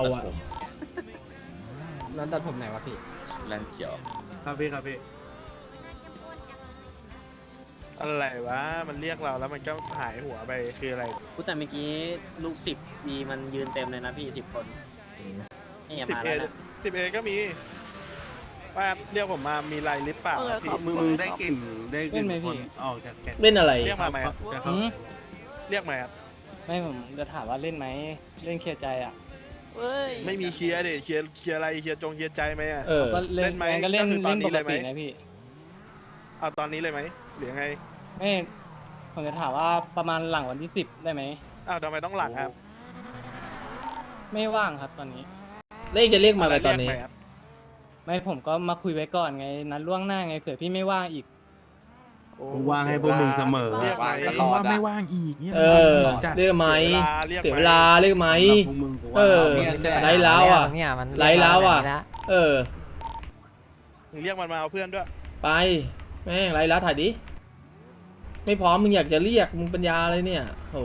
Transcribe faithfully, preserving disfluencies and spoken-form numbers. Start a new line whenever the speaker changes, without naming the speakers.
อ่ะ
แล้วตัดผมไหนวะพี่
แลนเขียว
ครับพี่ครับพี่
อะไรวะมันเรียกเราแล้วมันก็หายหัวไปคืออะไร
กูแต่เมื่อกี้ลูกสิบมีมันยืนเต็มเลยนะพี่สิบคนนี่
สิบ
มา
เอ
แล้วนะ
สิบเอก็มีว่าเรียกผมมามีไรลิปเปล่าพี่
มึงมึงได้กลิ่นได้กลิ่นคนออกจากแกน
เล่นอะไร
เรียกมาไหมครับ
จะเข้า
เรียกมาครับ
ไม่ผมจะถามว่าเล่นไหมเล่นเคลียร์ใจอ่ะ
ไม่มีเคลียร์ดิเคลียร์เคลียร์อะไรเคลียร์จงเคลียร์ใจไหมอ่ะ
เออ
ก็เล่น
เล่นไหม
ก็เล่น
ก็คือตอ
เล่
น
น
นี้
ป
เล
ก
ยไหม
ตินะพี่
เอาตอนนี้เลยไหมหรือยังไง
ไม่ผมจะถามว่าประมาณหลังวันที่สิบได้ไหม
อ้าวทำไมต้องหลังครับ
ไม่ว่างครับตอนนี้
เลขจะเรียกมาไปตอนนี้
เรียกไหมครับ
ไม่ผมก็มาคุยไว้ก่อนไงนัดล่วงหน้าไงเผื่อพี่ไม่ว่างอีก
โอ้
กูว่างให้พวกมึงเสมอ
เรียกไหม
ตลอดอะ
เออเรียกไหม
เรียก
เสีย
ไหม
เวลาเรียกไหม
พวกมึงกู
เอ
ว่า
อ ไล่แล้วอ่ะ
เนี่ยมัน
ไล่แล้วอ่ะ เออ
มึงเรียกมันมาเอาเพื่อนด้วย
ไป แม่งไล่แล้วถ่ายดิ ไม่พร้อมมึงอยากจะเรียกมึงปัญญาอะไรเนี่ยโห